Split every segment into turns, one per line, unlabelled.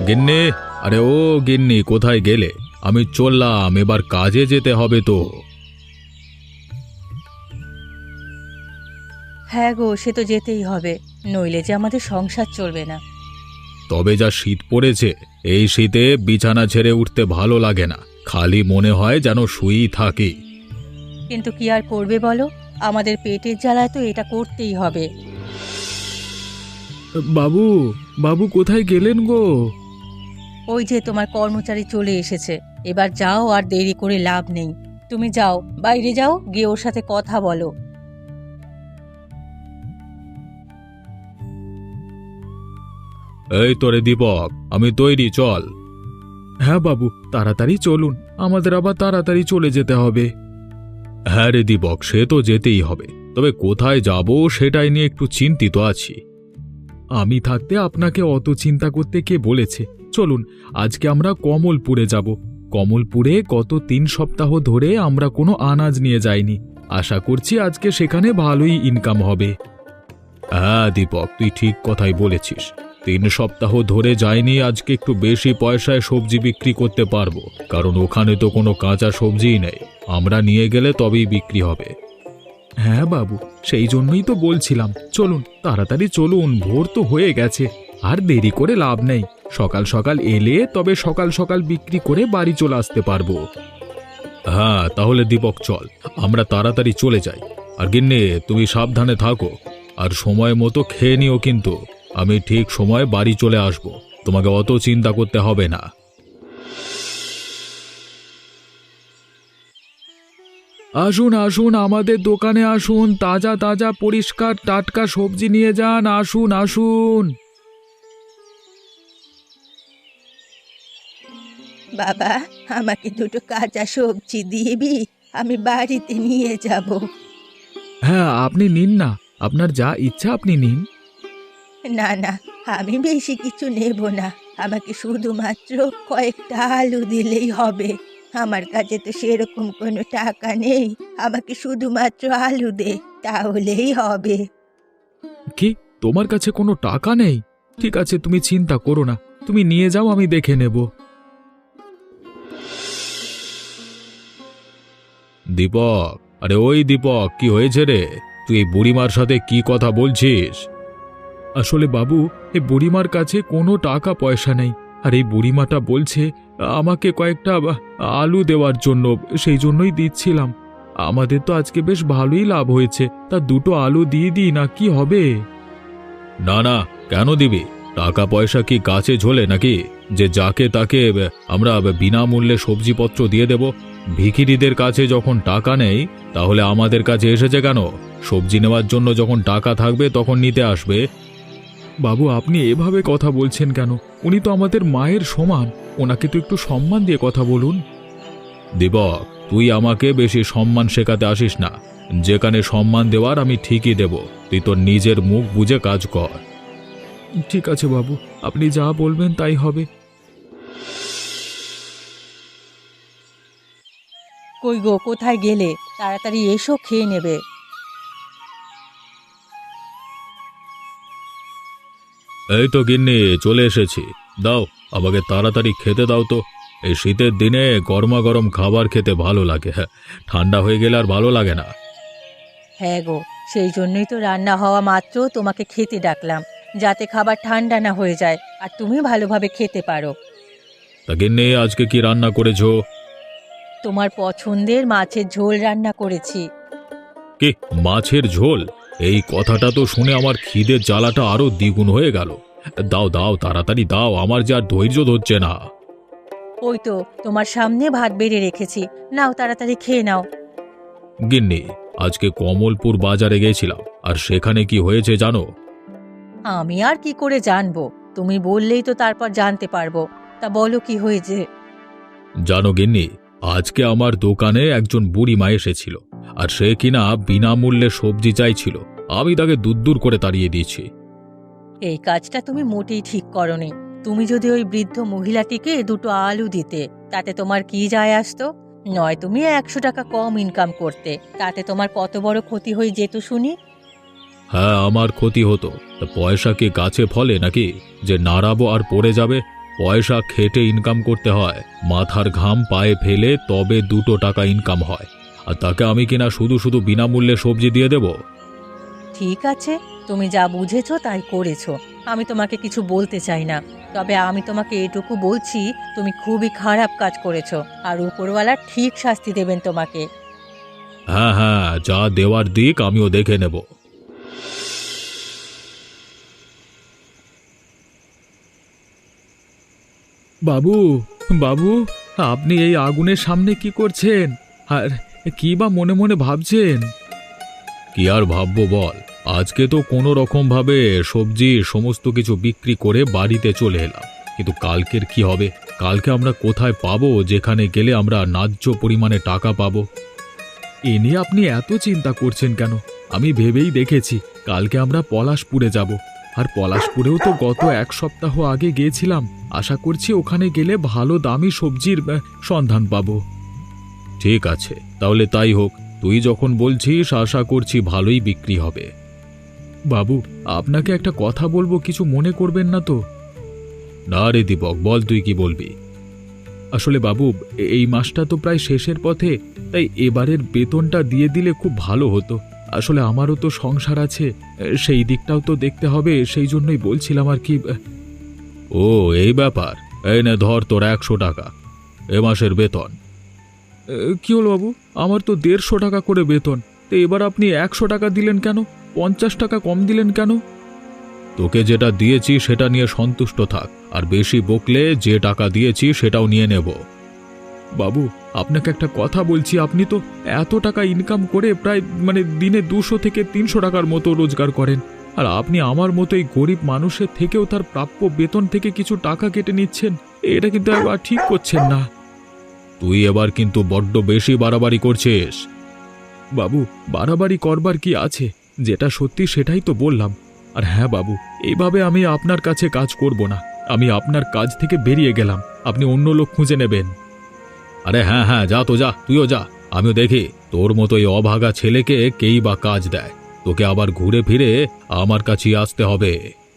গিন্নি, আরে ও গিন্নি, কোথায় গেলে? আমি চললাম, এবার কাজে যেতে হবে তো।
হ্যাঁ গো, সে তো যেতেই হবে, নইলে যে আমাদের সংসার চলবে না।
তবে যা শীত পড়েছে, এই শীতে বিছানা ছেড়ে উঠতে ভালো লাগে না, খালি মনে হয় যেন শুয়েই থাকি।
কিন্তু কি আর করবে বলো, আমাদের পেটের জ্বালায় তো এটা করতেই হবে।
বাবু, বাবু কোথায় গেলেন গো?
ওই যে তোমার কর্মচারী চলে এসেছে, এবার যাও, আর দেরি করে লাভ নেই। তুমি যাও, বাইরে যাও, গিয়ে ওর সাথে কথা বলো।
এই তোরে দীপক, আমি তৈরি, চল। হ্যাঁ বাবু, তাড়াতাড়ি চলুন, আমাদের আবার তাড়াতাড়ি চলে যেতে হবে। হ্যাঁ রে দীপক, সে তো যেতেই হবে, তবে কোথায় যাব সেটাই নিয়ে একটু চিন্তিত আছি। আমি থাকতে আপনাকে অত চিন্তা করতে কে বলেছে? চলুন, আজকে আমরা কমলপুরে যাব। কমলপুরে গত 3 সপ্তাহ ধরে আমরা কোনো আনাজ নিয়ে যাইনি। আশা করছি আজকে সেখানে ভালোই ইনকাম হবে। হ্যাঁ দীপক, তুই ঠিক কথাই বলেছিস। 3 সপ্তাহ ধরে যাইনি, আজকে একটু বেশি পয়সায় সবজি বিক্রি করতে পারবো, কারণ ওখানে তো কোনো কাঁচা সবজিই নেই। আমরা নিয়ে গেলে তবেই বিক্রি হবে। হ্যাঁ বাবু, সেই জন্যই তো বলছিলাম, চলুন তাড়াতাড়ি চলুন, ভোর তো হয়ে গেছে, আর দেরি করে লাভ নেই। সকাল সকাল এলে তবে সকাল সকাল বিক্রি করে বাড়ি চলে আসতে পারবো। হ্যাঁ তাহলে দীপক চল, আমরা তাড়াতাড়ি চলে যাই। আর গিন্নি, তুমি সাবধানে থাকো, আর সময় মতো খেয়ে নিও কিন্তু। আমি ঠিক সময়ে বাড়ি চলে আসব, তোমাকে অত চিন্তা করতে হবে না। আসুন আসুন, আমাদের দোকানে আসুন, তাজা তাজা পরিষ্কার টাটকা সবজি নিয়ে যান, আসুন আসুন।
বাবা, আমাকে দুটো কাঁচা সবজি দিবি, আমি বাড়িতে নিয়ে যাব।
হ্যাঁ আপনি নিন না, আপনার যা ইচ্ছা আপনি নিন।
না না, আমি বেশি কিছু নেব না, আমাকে শুধুমাত্র কয়েকটা আলু দিলেই হবে। আমার কাছে তো সেরকম কোনো টাকা নেই, আমাকে শুধুমাত্র আলু দে, তাহলেই হবে।
কি, তোমার কাছে কোনো টাকা নেই? ঠিক আছে, তুমি চিন্তা করো না, তুমি নিয়ে যাও, আমি দেখে নেব। দীপক, আরে ওই দীপক, কি হয়েছে রে? তুই এই বুড়িমার সাথে কি কথা বলছিস? আসলে বাবু, এই বুড়িমার কাছে কোনো টাকা পয়সা নেই, আর এই বুড়িমাটা বলছে আমাকে কয়েকটা আলু দেওয়ার জন্য, সেই জন্যই দিচ্ছিলাম। আমাদের তো আজকে বেশ ভালোই লাভ হয়েছে, তা দুটো আলু দিয়ে দিই না, কি হবে? না না, কেন দিবি? টাকা পয়সা কি গাছে ঝোলে নাকি, যে যাকে তাকে আমরা বিনামূল্যে সবজিপত্র দিয়ে দেব? ভিখিরিদের কাছে যখন টাকা নেই, তাহলে আমাদের কাছে এসেছে কেন? সবজি নেওয়ার জন্য যখন টাকা থাকবে তখন নিতে আসবে। বাবু, আপনি এভাবে কথা বলছেন কেন? উনি তো আমাদের মায়ের সমান, ওনাকে তো একটু সম্মান দিয়ে কথা বলুন। দীপক, তুই আমাকে বেশি সম্মান শেখাতে আসিস না। যেখানে সম্মান দেওয়ার আমি ঠিকই দেব, তুই তোর নিজের মুখ বুঝে কাজ কর। ঠিক আছে বাবু, আপনি যা বলবেন তাই হবে।
কই গো, কোথায় গেলে? তাড়াতাড়ি এসো, খেয়ে নেবে।
এই তো গিন্নি, চলে এসেছি। দাও, আমাকে তাড়াতাড়ি খেতে দাও তো। এই শীতের দিনে গরমা গরম খাবার খেতে ভালো লাগে, হ্যাঁ, ঠান্ডা হয়ে গেলে আর ভালো লাগে না।
হ্যাঁ গো, সেই জন্যই তো রান্না হওয়া মাত্র তোমাকে খেতে ডাকলাম, যাতে খাবার ঠান্ডা না হয়ে যায় আর তুমি ভালোভাবে খেতে পারো।
তা গিন্নি, আজকে কি রান্না করেছো?
তোমার পছন্দের মাছের ঝোল রান্না করেছি।
কি, মাছের ঝোল? এই কথাটা তো শুনে আমার খিদের জ্বালাটা আরো দ্বিগুণ হয়ে গেল। দাও দাও, তাড়াতাড়ি দাও, আমার যে আর ধৈর্য ধরছে না।
ওই তো তোমার সামনে ভাত বেড়ে রেখেছি, নাও তাড়াতাড়ি খেয়ে নাও।
গিন্নি, আজকে কমলপুর বাজারে গেছিলাম, আর সেখানে কি হয়েছে জানো?
আমি আর কি করে জানবো, তুমি বললেই তো তারপর জানতে পারবো। তা বলো, কি হয়েছে?
জানো গিন্নি, আজকে আমার দোকানে একজন বুড়িমা এসেছিল, আর সে কিনা বিনামূল্যে সবজি চাইছিল। আমি তাকে দূর করে তাড়িয়ে দিয়েছি।
এই কাজটা তুমি মোটেই ঠিক করনি। তুমি যদি ওই বৃদ্ধ মহিলাটিকে দুটো আলু দিতে, তাতে তোমার কি যায় আসতো? নয় তুমি 100 টাকা কম ইনকাম করতে, তাতে তোমার কত বড় ক্ষতি হয়ে যেত শুনি।
হ্যাঁ, আমার ক্ষতি হতো, তা পয়সা কি গাছে ফলে নাকি যে নাড়াবো আর পড়ে যাবে? পয়সা খেটে ইনকাম করতে হয়, মাথার ঘাম পায়ে ফেলে তবে 2 টাকা ইনকাম হয়। আর তাকে আমি কিনা শুধু শুধু বিনামূল্যে সবজি দিয়ে দেব?
ঠিক আছে, তুমি যা বুঝেছো তাই করেছো। আমি তোমাকে কিছু বলতে চাই না, তবে আমি তোমাকে এটুকু বলছি, তুমি খুবই খারাপ কাজ করেছো, আর উপরওয়ালা ঠিক শাস্তি দেবেন তোমাকে।
হ্যাঁ হ্যাঁ, যা দেওয়ার দিক আমিও দেখে নেব। বাবু, বাবু, আপনি এই আগুনের সামনে কি করছেন? আর কি বা মনে মনে ভাবছেন? কি আর ভাববো বল, আজকে তো কোনো রকম ভাবে সবজি সমস্ত কিছু বিক্রি করে বাড়িতে চলে এলাম, কিন্তু কালকের কি হবে? কালকে আমরা কোথায় পাবো যেখানে গেলে আমরা ন্যায্য পরিমাণে টাকা পাবো? এ নিয়ে আপনি এত চিন্তা করছেন কেন? আমি ভেবেই দেখেছি কালকে আমরা পলাশপুরে যাব। আর পলাশপুরেও তো গত 1 সপ্তাহ আগে গিয়েছিলাম। আশা করছি ওখানে গেলে ভালো দামি সবজির সন্ধান পাবো। ঠিক আছে, তাহলে তাই হোক। তুই যখন বলছিস আশা করছি ভালোই বিক্রি হবে। বাবু, আপনাকে একটা কথা বলবো, কিছু মনে করবেন না তো? না রে দীপক, বল তুই কি বলবি। আসলে বাবু, এই মাসটা তো প্রায় শেষের পথে, তাই এবারের বেতনটা দিয়ে দিলে খুব ভালো হতো। আসলে আমারও তো সংসার আছে, সেই দিকটাও তো দেখতে হবে, সেই জন্যই বলছিলাম আর কি। ও, এই ব্যাপার। এই নে ধর তোর 100 টাকা, এ মাসের বেতন। কি হলো বাবু, আমার তো 150 টাকা করে বেতন, তো এবার আপনি 100 টাকা দিলেন কেন? 50 টাকা কম দিলেন কেন? তোকে যেটা দিয়েছি সেটা নিয়ে সন্তুষ্ট থাক, আর বেশি বকলে যে টাকা দিয়েছি সেটাও নিয়ে নেব। বাবু, আপনাকে একটা কথা বলছি, আপনি তো এত টাকা ইনকাম করে প্রায় দিনে 200 থেকে 300 টাকার মতো রোজগার করেন, আর আপনি আমার মতো এই গরিব মানুষের থেকেও তার প্রাপ্য বেতন থেকে কিছু টাকা কেটে নিচ্ছেন। এটা কিন্তু একবার ঠিক করছেন না। তুই এবার কিন্তু বড্ড বেশি বাড়াবাড়ি করছিস। বাবু, বাড়াবাড়ি করবার কি আছে? যেটা সত্যি সেটাই তো বললাম। আর হ্যাঁ বাবু, এইভাবে আমি আপনার কাছে কাজ করব না। আমি আপনার কাজ থেকে বেরিয়ে গেলাম, আপনি অন্য লোক খুঁজে নেবেন। আরে হ্যাঁ হ্যাঁ, যা তো যা, তুইও যা। আমিও দেখি তোর মতো এই অভাগা ছেলেকে কেই বা কাজ দেয়। তোকে আবার ঘুরে ফিরে আমার কাছেই আসতে হবে।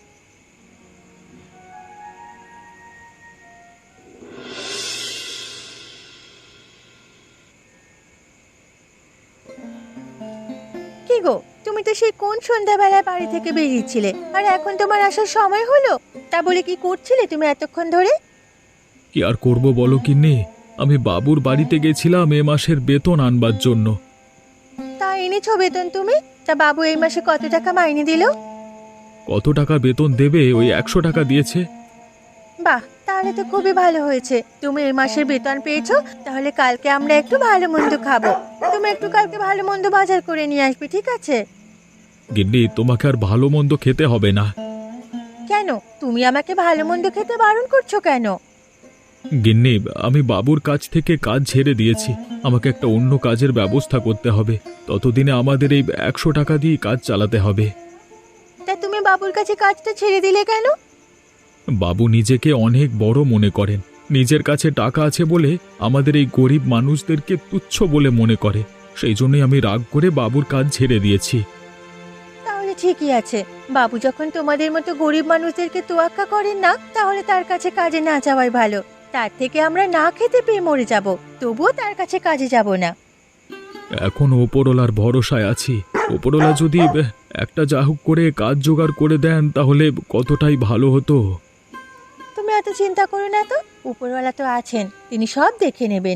কি গো, তুমি তো সেই কোন সন্ধ্যাবেলায় বাড়ি থেকে বেরিয়েছিলে, আর এখন তোমার আসার সময় হলো? তা বলে কি করছিলে তুমি এতক্ষণ ধরে?
কি আর করব বলো কিন্নি, আমি বাবুর বাড়িতে গেছিলাম এ মাসের বেতন আনবার জন্য।
তা এনেছো বেতন তুমি? তা বাবু এই মাসে কত টাকা মাইনে দিল?
কত টাকা বেতন দেবে? ওই 100 টাকা দিয়েছে।
বাহ, তাহলে তো খুবই ভালো হয়েছে, তুমি এই মাসের বেতন পেয়েছো। তাহলে কালকে আমরা একটু ভালো মন্দ খাবো। তুমি একটু কালকে ভালো মন্দ বাজার করে নিয়ে আসবে, ঠিক আছে?
গিন্নি, তোমাকে আর ভালো মন্দ খেতে হবে না।
কেন তুমি আমাকে ভালো মন্দ খেতে বারণ করছো কেন?
গিন্নি, আমি বাবুর কাছ থেকে কাজ ছেড়ে দিয়েছি। আমাকে একটা অন্য কাজের ব্যবস্থা করতে হবে। ততদিনে আমাদের এই 100 টাকা দিয়ে কাজ চালাতে হবে।
তা তুমি বাবুর কাছে কাজটা ছেড়ে দিলে কেন?
বাবু নিজেকে অনেক বড় মনে করেন। নিজের কাছে টাকা আছে বলে আমাদের এই গরিব মানুষদেরকে তুচ্ছ বলে মনে করে। সেই জন্যই আমি রাগ করে বাবুর কাজ ছেড়ে দিয়েছি।
তাহলে ঠিকই আছে, বাবু যখন তোমাদের মতো গরিব মানুষদেরকে তোয়াক্কা করেন না, তাহলে তার কাছে কাজে না যাওয়াই ভালো। তার থেকে আমরা না খেতে পেয়ে মরে যাব, তবুও তার কাছে কাজে যাব না।
এখন ওপরওয়ালার ভরসায় আছি। ওপরওয়ালা যদি একটা যা হোক করে কাজ জোগাড় করে দেন তাহলে কতটাই ভালো হতো।
তুমি এত চিন্তা করো না তো, উপরওয়ালা তো আছেন, তিনি সব দেখে নেবেন।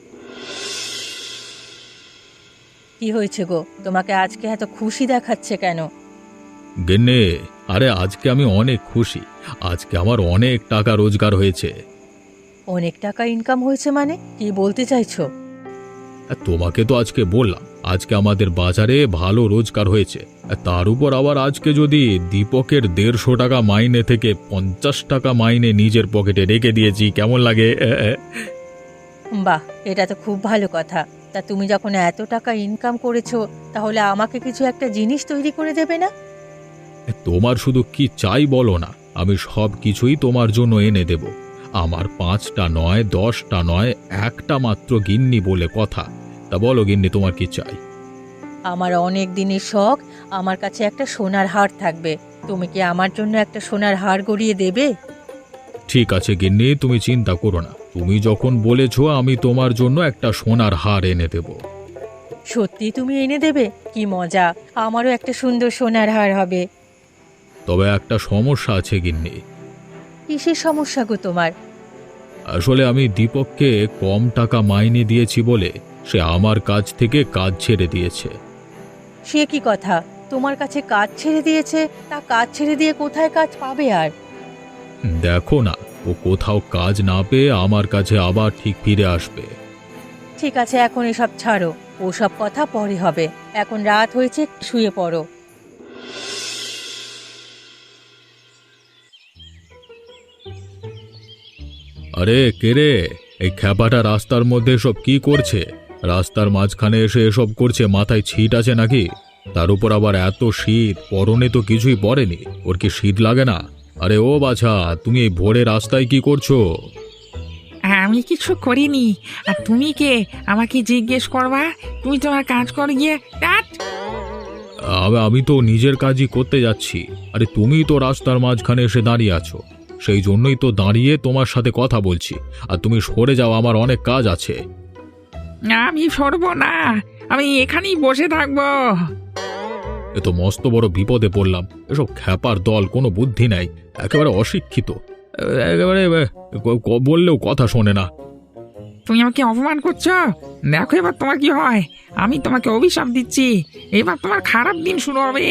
কি হয়েছে গো, তোমাকে আজকে এত খুশি দেখাচ্ছে কেন?
গিন্নি, আরে আজকে আমি অনেক খুশি। আজকে আমার অনেক টাকা রোজগার হয়েছে।
অনেক টাকা ইনকাম হয়েছে মানে কি বলতে চাইছো?
আর তোমাকে তো আজকে বললাম আজকে আমাদের বাজারে ভালো রোজগার হয়েছে। আর তার উপর আবার আজকে যদি দীপকের 150 টাকা মাইনে থেকে 50 টাকা মাইনে নিজের পকেটে রেখে দিয়েছি, কেমন লাগে?
বাহ, এটা তো খুব ভালো কথা। তা তুমি যখন এত টাকা ইনকাম করেছো, তাহলে আমাকে কিছু একটা জিনিস তৈরি করে দেবে না?
তোমার শুধু কি চাই বলো না, আমি সব কিছুই তোমার জন্য এনে দেব। আমার 5টা নয়, 10টা নয়, একটা মাত্র গিন্নি বলে কথা। তা বলো গিন্নি, তোমার কি চাই?
আমার অনেক দিনের শখ, আমার কাছে একটা সোনার হার থাকবে। তুমি কি আমার জন্য একটা সোনার হার গড়িয়ে দেবে?
ঠিক আছে গিন্নি, তুমি চিন্তা করো না। তুমি যখন বলেছো আমি তোমার জন্য একটা সোনার হার এনে দেব।
সত্যি তুমি এনে দেবে? কি মজা! আমারও একটা সুন্দর সোনার হার হবে।
তবে একটা সমস্যা আছে গিন্নি।
কিসের সমস্যা গো তোমার?
আসলে আমি দীপককে কম টাকা মাইনে দিয়েছি বলে সে আমার কাছ থেকে কাজ ছেড়ে দিয়েছে।
সে কি কথা? তোমার কাছে কাজ ছেড়ে দিয়েছে? তা কাজ ছেড়ে দিয়ে কোথায় কাজ পাবে আর?
দেখো না, ও কোথাও কাজ না পেয়ে আমার কাছে আবার ঠিক ফিরে আসবে।
ঠিক আছে, এখন এসব ছাড়ো। ওসব কথা পরে হবে। এখন রাত হয়েছে, শুয়ে পড়ো।
আরে কে রে? এই খ্যাপাটা রাস্তার মধ্যে সব কি করছে? রাস্তার মাঝখানে এসে এসব করছে, মাথায় ছিট আছে নাকি? তার উপর আবার এত শীত, পরনে তো কিছুই পরেনি। ওর কি শীত লাগে না? আরে ও বাছা, তুমি এই ভোরে রাস্তায় কি করছো?
আমি কিছু করিনি। আর তুমি কে আমাকে জিজ্ঞেস করবা? তুমি তোমার কাজ করে গিয়ে টাট।
আমি তো নিজের কাজই করতে যাচ্ছি। আরে তুমি তো রাস্তার মাঝখানে এসে দাঁড়িয়ে আছো, সেই জন্যই তো দাঁড়িয়ে তোমার সাথে কথা বলছি। আর তুমি সরে যাও, আমার অনেক কাজ আছে।
আমি সরবো না, আমি এখানেই বসে থাকবো।
এ তো মস্ত বড় বিপদে পড়লাম। এসব খ্যাপার দল, কোনো বুদ্ধি নাই, একেবারে অশিক্ষিত। একেবারে বললেও কথা শোনে না।
তুমি আমাকে অপমান করছো। দেখো এবার তোমার কি হয়। আমি তোমাকে অভিশাপ দিচ্ছি, এবার তোমার খারাপ দিন শুরু হবে।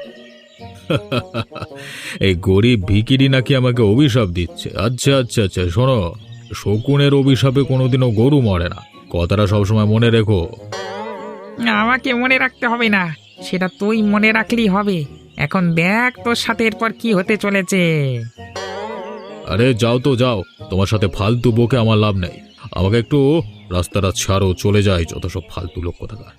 এই গরিব ভিকিরি নাকি আমাকে অভিশাপ দিচ্ছে? আচ্ছা আচ্ছা আচ্ছা, শোনো, শকুনের অভিশাপে কোনোদিনও গরু মরে না, কথাটা সবসময় মনে রেখো।
আমাকে মনে রাখতে হবে না, সেটা তুই মনে রাখলেই হবে। এখন দেখ তোর সাথে এরপর কি হতে চলেছে।
আরে যাও তো যাও, তোমার সাথে ফালতু বকে আমার লাভ নেই। আমাকে একটু রাস্তাটা ছাড়ো, চলে যাই, যত সব ফালতু লোক কোথাকার।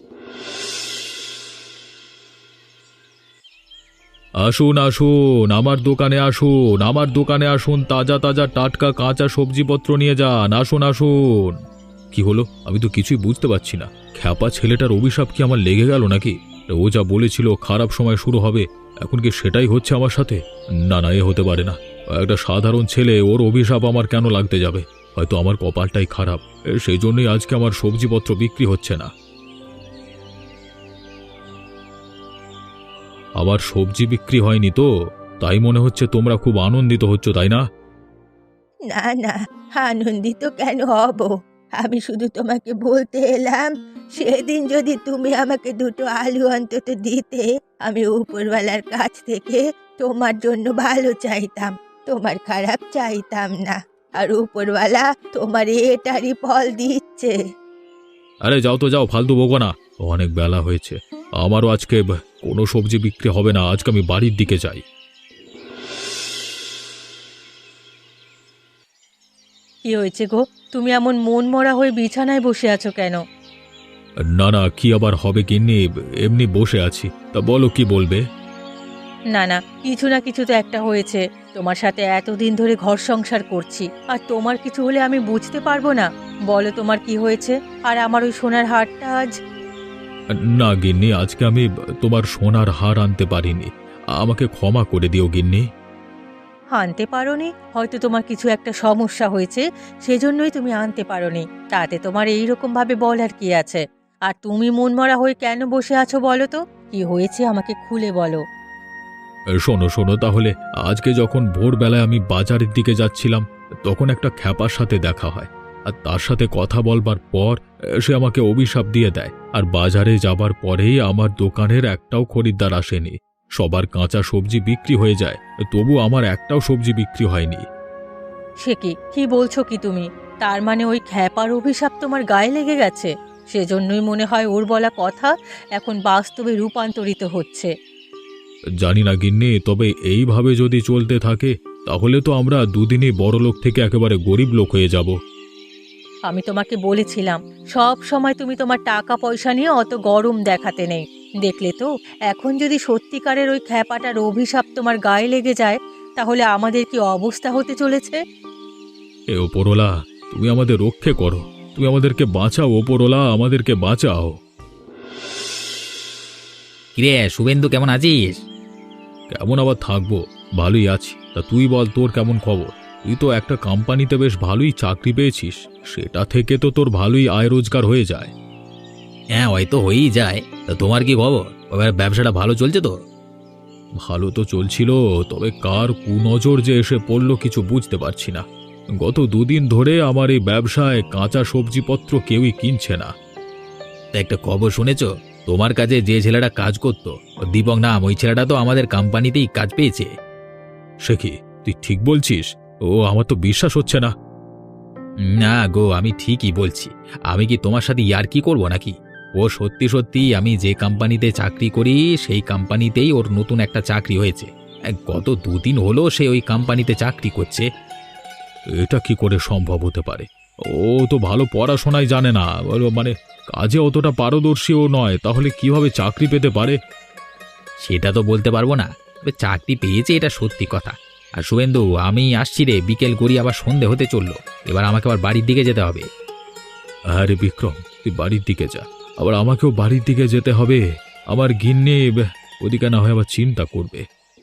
আসুন আসুন, আমার দোকানে আসুন, আমার দোকানে আসুন, তাজা তাজা টাটকা কাঁচা সবজিপত্র নিয়ে যান। আসুন আসুন। কি হলো? আমি তো কিছুই বুঝতে পারছি না। খ্যাপা ছেলেটার অভিশাপ কি আমার লেগে গেল নাকি? ও যা বলেছিল খারাপ সময় শুরু হবে, এখন কি সেটাই হচ্ছে আমার সাথে? না না, এ হতে পারে না। একটা সাধারণ ছেলে, ওর অভিশাপ আমার কেন লাগতে যাবে? হয়তো আমার কপালটাই খারাপ, সেই জন্যই আজকে আমার সবজিপত্র বিক্রি হচ্ছে না। আবার সবজি বিক্রি হয়নি তো? তাই মনে হচ্ছে তোমরা খুব আনন্দিত হচ্ছ, তাই না?
না না, আনন্দিত কেন হব? আমি শুধু তোমাকে বলতে এলাম, সেদিন যদি তুমি আমাকে দুটো আলু অন্তত দিতে, আমি উপরওয়ালার কাছ থেকে তোমার জন্য ভালো চাইতাম, তোমার খারাপ চাইতাম না। আর উপরওয়ালা তোমার এটারই ফল দিচ্ছে।
আরে যাও তো যাও, ফালতু বকো না। অনেক বেলা হয়েছে, আমারও আজকে কোনো সবজি বিক্রি হবে না। আজকে আমি বাড়ির দিকে যাই।
কি হয়েছে গো? তুমি এমন মন মরা হয়ে বিছানায় বসে আছো কেন?
না না, কি আবার হবে গিন্নি, এমনি বসে আছি। তা বলো, কি বলবে?
না না, কিছু না কিছু তো একটা হয়েছে। তোমার সাথে এতদিন ধরে ঘর সংসার করছি, আর তোমার কিছু হলে আমি বুঝতে পারবো না? বলো তোমার কি হয়েছে? আর আমার ওই সোনার হারটা আজ?
না গিন্নি, আজকে আমি তোমার সোনার হার আনতে পারিনি, আমাকে ক্ষমা করে দিও গিন্নি।
আনতে পারোনি? হয়তো তোমার কিছু একটা সমস্যা হয়েছে, সেজন্যই তুমি আনতে পারোনি। তাতে তোমার এই রকম ভাবে বলার কি আছে? আর তুমি মনমরা হয়ে কেন বসে আছো বলো তো? কি হয়েছে আমাকে খুলে বলো।
শোনো শোনো তাহলে, আজকে যখন ভোরবেলায় আমি বাজারের দিকে যাচ্ছিলাম, তখন একটা খ্যাপার সাথে দেখা হয়। আর তার সাথে কথা বলবার পর সে আমাকে অভিশাপ দিয়ে দেয়। আর বাজারে যাবার পরেই আমার দোকানের একটাও খরিদ্দার আসেনি। সবার কাঁচা সবজি বিক্রি হয়ে যায়, তবু আমার একটাও সবজি বিক্রি হয়নি।
সে কি কি বলছো কি তুমি? তার মানে ওই খ্যাপার অভিশাপ তোমার গায়ে লেগে গেছে? সেজন্যই মনে হয় ওর বলা কথা এখন বাস্তবে রূপান্তরিত হচ্ছে।
জানি না গিন্নি, তবে এইভাবে যদি চলতে থাকে তাহলে তো আমরা দুদিনই বড়লোক থেকে একেবারে গরিব লোক হয়ে যাব।
আমি তোমাকে বলেছিলাম, সব সময় তুমি তোমার টাকা পয়সা নিয়ে অত গরম দেখাতে নেই। দেখলে তো, এখন যদি সত্যিকারের ওই খ্যাপাটার অভিশাপ তোমার গায়ে লেগে যায়, তাহলে আমাদের কি অবস্থা হতে চলেছে?
এ ওপরওয়ালা, তুমি আমাদের রক্ষে করো, তুমি আমাদেরকে বাঁচাও ওপরওয়ালা, আমাদেরকে বাঁচাও।
কিরে শুভেন্দু, কেমন আছিস?
কেমন আবার থাকবো, ভালোই আছি। তা তুই বল, তোর কেমন খবর? তুই তো একটা কোম্পানিতে বেশ ভালোই চাকরি পেয়েছিস, সেটা থেকে তো তোর ভালোই আয় রোজগার হয়ে যায়।
হ্যাঁ, হয়তো হয়েই যায়। তা তোমার কি খবর? এবার ব্যবসাটা ভালো চলছে তো?
ভালো তো চলছিল, তবে কার কুনজর যে এসে পড়ল কিছু বুঝতে পারছি না। গত দুদিন ধরে আমার এই ব্যবসায় কাঁচা সবজিপত্র কেউই কিনছে না।
তা একটা খবর শুনেছ? তোমার কাছে যে ছেলেটা কাজ করতো, দীপক নাম, ওই ছেলেটা তো আমাদের কোম্পানিতেই কাজ পেয়েছে।
সে কি, তুই ঠিক বলছিস? ও, আমার তো বিশ্বাস হচ্ছে না।
না গো, আমি ঠিকই বলছি। আমি কি তোমার সাথে ইয়ার্কি করব নাকি? ও সত্যি সত্যি আমি যে কোম্পানিতে চাকরি করি সেই কোম্পানিতেই ওর নতুন একটা চাকরি হয়েছে। গত দুদিন হলো সে ওই কোম্পানিতে চাকরি করছে।
এটা কি করে সম্ভব হতে পারে? ও তো ভালো পড়াশোনাই জানে না, মানে কাজে অতটা পারদর্শীও নয়, তাহলে কিভাবে চাকরি পেতে পারে?
সেটা তো বলতে পারবো না, তবে চাকরি পেয়েছে এটা সত্যি কথা। আর শুভেন্দু, আমি আসছি রে, বিকেল করি, আবার সন্ধে হতে চললো। এবার আমাকে আবার বাড়ির দিকে যেতে হবে।
আরে বিক্রম, তুই বাড়ির দিকে যা, আবার আমাকেও বাড়ির দিকে যেতে হবে। আমার গিন্নি ওদিকে না হয় আবার চিন্তা করবে।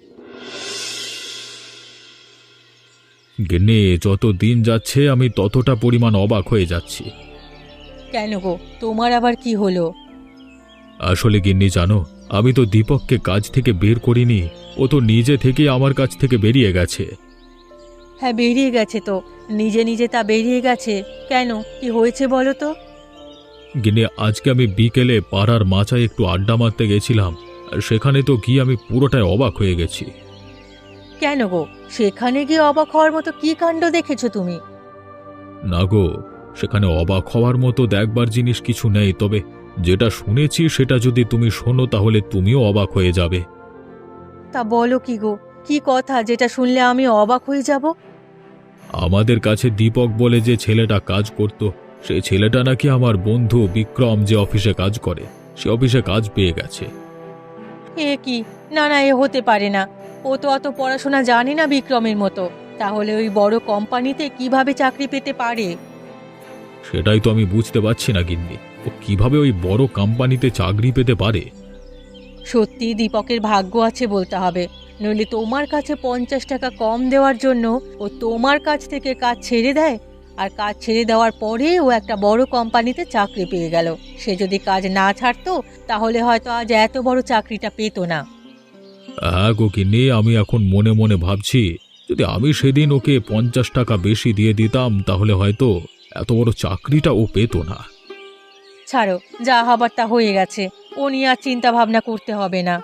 গিন্নি, যত দিন যাচ্ছে আমি ততটা পরিমাণ অবাক হয়ে যাচ্ছি।
কেন গো, তোমার আবার কি হলো?
আসলে গিন্নি জানো, আমি তো দীপককে কাজ থেকে বের করিনি, ও তো নিজে থেকেই আমার কাছ থেকে বেরিয়ে গেছে।
হ্যাঁ, বেরিয়ে গেছে তো, নিজে নিজে তা বেরিয়ে গেছে। কেন, কি হয়েছে বলো তো?
গিন্নি, আজকে আমি বিকেলে পাড়ার মাচায় একটু আড্ডা মারতে গেছিলাম, আর সেখানে তো গিয়ে আমি পুরোটাই অবাক হয়ে গেছি।
কেন গো, সেখানে গিয়ে অবাক হওয়ার মতো কি কাণ্ড দেখেছো তুমি?
না গো, সেখানে অবাক হওয়ার মতো দেখবার জিনিস কিছু নেই, তবে যেটা শুনেছি সেটা যদি তুমি শোনো তাহলে তুমিও অবাক হয়ে যাবে।
তা বলো কি গো, কি কথা যেটা শুনলে আমি অবাক হয়ে যাব?
আমাদের কাছে দীপক বলে যে ছেলেটা কাজ করত, সেই ছেলেটা নাকি আমার বন্ধু বিক্রম যে অফিসে কাজ করে, সে অফিসে কাজ পেয়ে গেছে।
এ কি, না না, এ হতে পারে না। ও তো অত পড়াশোনা জানে না বিক্রমের মতো, তাহলে ওই বড় কোম্পানিতে কিভাবে চাকরি পেতে পারে?
সেটাই তো আমি বুঝতে পারছি না গিন্নি, ও কিভাবে ওই বড় কোম্পানিতে চাকরি পেতে পারে।
সত্যি দীপকের ভাগ্য আছে বলতে হবে, নইলে তোমার কাছে 50 টাকা কম দেওয়ার জন্য ও তোমার কাছ থেকে কাজ ছেড়ে দেয়। আর কাজ ছেড়ে দেওয়ার পরে ও একটা বড় কোম্পানিতে চাকরি পেয়ে গেল। সে যদি কাজ না ছাড়তো তাহলে হয়তো আজ এত বড় চাকরিটা পেতো না।
হ্যাঁ গো গিন্নি, আমি এখন মনে মনে ভাবছি, যদি আমি সেদিন ওকে 50 টাকা বেশি দিয়ে দিতাম তাহলে হয়তো এত বড় চাকরিটা ও পেত না।
ছাড়ো, যা হবার তা হয়ে গেছে, ও নিয়ে আর চিন্তা ভাবনা করতে হবে না।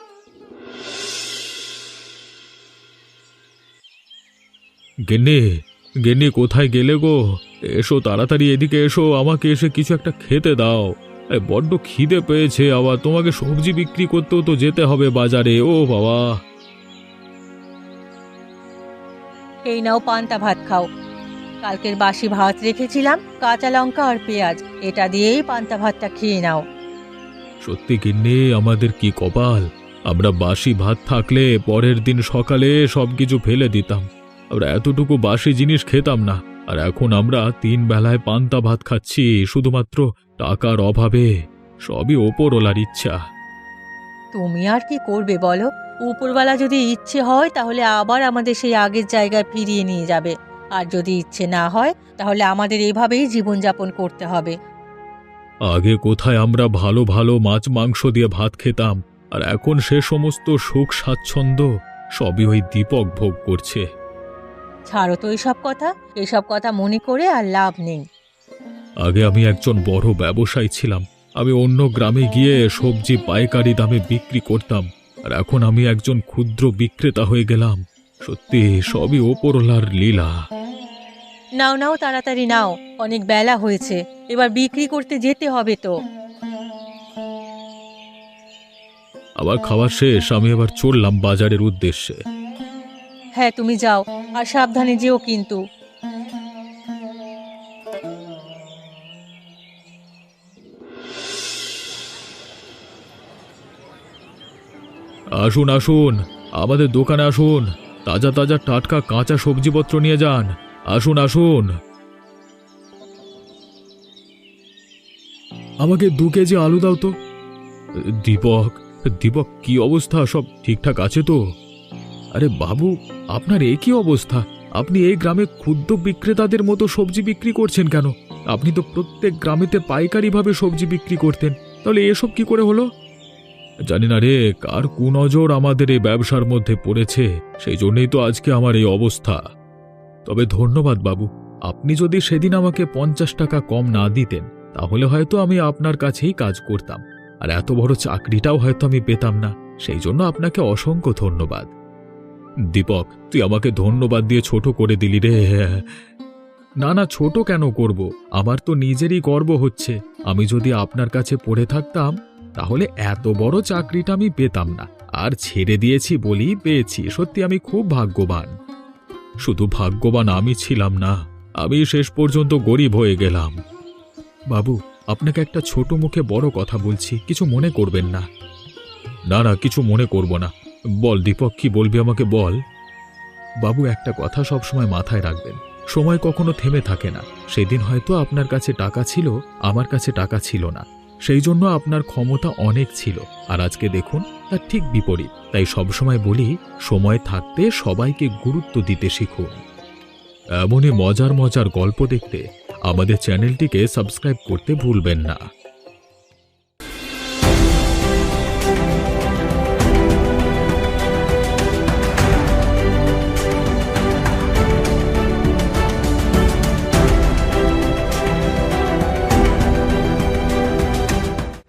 গিন্নি, গিন্নি কোথায় গেলে গো? এসো তাড়াতাড়ি এদিকে এসো, আমাকে এসে কিছু একটা খেতে দাও। বড্ড খিদে পেয়েছে, আবার তোমাকে সবজি বিক্রি করতেও তো যেতে হবে বাজারে। ও বাবা!
এই নাও পান্তা ভাত খাও। কালকের বাসি ভাত রেখেছিলাম, কাঁচা লঙ্কা আর পেঁয়াজ, এটা দিয়েই পান্তা ভাতটা খেয়ে নাও।
সত্যি গিন্নি, আমাদের কি কপাল! আমরা বাসি ভাত থাকলে পরের দিন সকালে সবকিছু ফেলে দিতাম, আমরা এতটুকু বাসি জিনিস খেতাম না। আর এখন আমরা 3 বেলায় পান্তা ভাত খাচ্ছি শুধুমাত্র টাকার অভাবে। সবই ওপরওয়ালার ইচ্ছা।
তুমি আর কি করবে বলো? উপরওয়ালা যদি ইচ্ছে হয় তাহলে আবার আমাদের সেই আগের জায়গায় ফিরিয়ে নিয়ে যাবে, আর যদি ইচ্ছে না হয় তাহলে আমাদের এভাবেই জীবনযাপন করতে হবে।
আগে কোথায় আমরা ভালো ভালো মাছ মাংস দিয়ে ভাত খেতাম, আর এখন সে সমস্ত সুখ স্বাচ্ছন্দ্য সবই ওই দীপক ভোগ করছে।
ছাড়ো তো এসব কথা মনে করে আর লাভ নেই।
আগে আমি একজন বড় ব্যবসায়ী ছিলাম, আমি অন্য গ্রামে গিয়ে সবজি পাইকারি দামে বিক্রি করতাম, আর এখন আমি একজন ক্ষুদ্র বিক্রেতা হয়ে গেলাম। সত্যি সবই ওপরওয়ালার লীলা।
নাও নাও, তাড়াতাড়ি নাও, অনেক বেলা হয়েছে, এবার বিক্রি করতে যেতে হবে তো।
আবার খাওয়া শেষ, আমি এবার চললাম বাজারের উদ্দেশ্যে।
হ্যাঁ, তুমি যাও, আর সাবধানে যেও কিন্তু।
আসুন আসুন, আমাদের দোকানে আসুন, তাজা তাজা টাটকা কাঁচা সবজিপত্র নিয়ে যান। আসুন আসুন। আমাকে 2 কেজি আলু দাও তো। দীপক, দীপক, কি অবস্থা? সব ঠিকঠাক আছে তো? আরে বাবু, আপনার এ কি অবস্থা? আপনি এই গ্রামে ক্ষুদ্র বিক্রেতাদের মতো সবজি বিক্রি করছেন কেন? আপনি তো প্রত্যেক গ্রামেতে পাইকারিভাবে সবজি বিক্রি করতেন, তাহলে এসব কি করে হলো? জানি না রে, কার কুনজর আমাদের এই ব্যবসার মধ্যে পড়েছে, সেই জন্যই তো আজকে আমার এই অবস্থা। তবে ধন্যবাদ বাবু, আপনি যদি সেদিন আমাকে 50 টাকা কম না দিতেন তাহলে হয়তো আমি আপনার কাছেই কাজ করতাম, আর এত বড় চাকরিটাও হয়তো আমি পেতাম না। সেই জন্য আপনাকে অসংখ্য ধন্যবাদ। দীপক, তুই আমাকে ধন্যবাদ দিয়ে ছোট করে দিলি রে। না না, ছোট কেন করব? আমার তো নিজেরই গর্ব হচ্ছে। আমি যদি আপনার কাছে পড়ে থাকতাম তাহলে এত বড় চাকরিটা আমি পেতাম না, আর ছেড়ে দিয়েছি বলেই পেয়েছি। সত্যি আমি খুব ভাগ্যবান। শুধু ভাগ্যবান আমি ছিলাম না, আমি শেষ পর্যন্ত গরিব হয়ে গেলাম। বাবু, আপনাকে একটা ছোট মুখে বড় কথা বলছি, কিছু মনে করবেন না। না না, কিছু মনে করব না। বল দীপক, কি বলবি আমাকে বল। বাবু, একটা কথা সবসময় মাথায় রাখবেন, সময় কখনো থেমে থাকে না। সেদিন হয়তো আপনার কাছে টাকা ছিল, আমার কাছে টাকা ছিল না, সেই জন্য আপনার ক্ষমতা অনেক ছিল, আর আজকে দেখুন তার ঠিক বিপরীত। তাই সবসময় বলি, সময় থাকতে সবাইকে গুরুত্ব দিতে শিখুন। এমনই মজার মজার গল্প দেখতে আমাদের চ্যানেলটিকে সাবস্ক্রাইব করতে ভুলবেন না।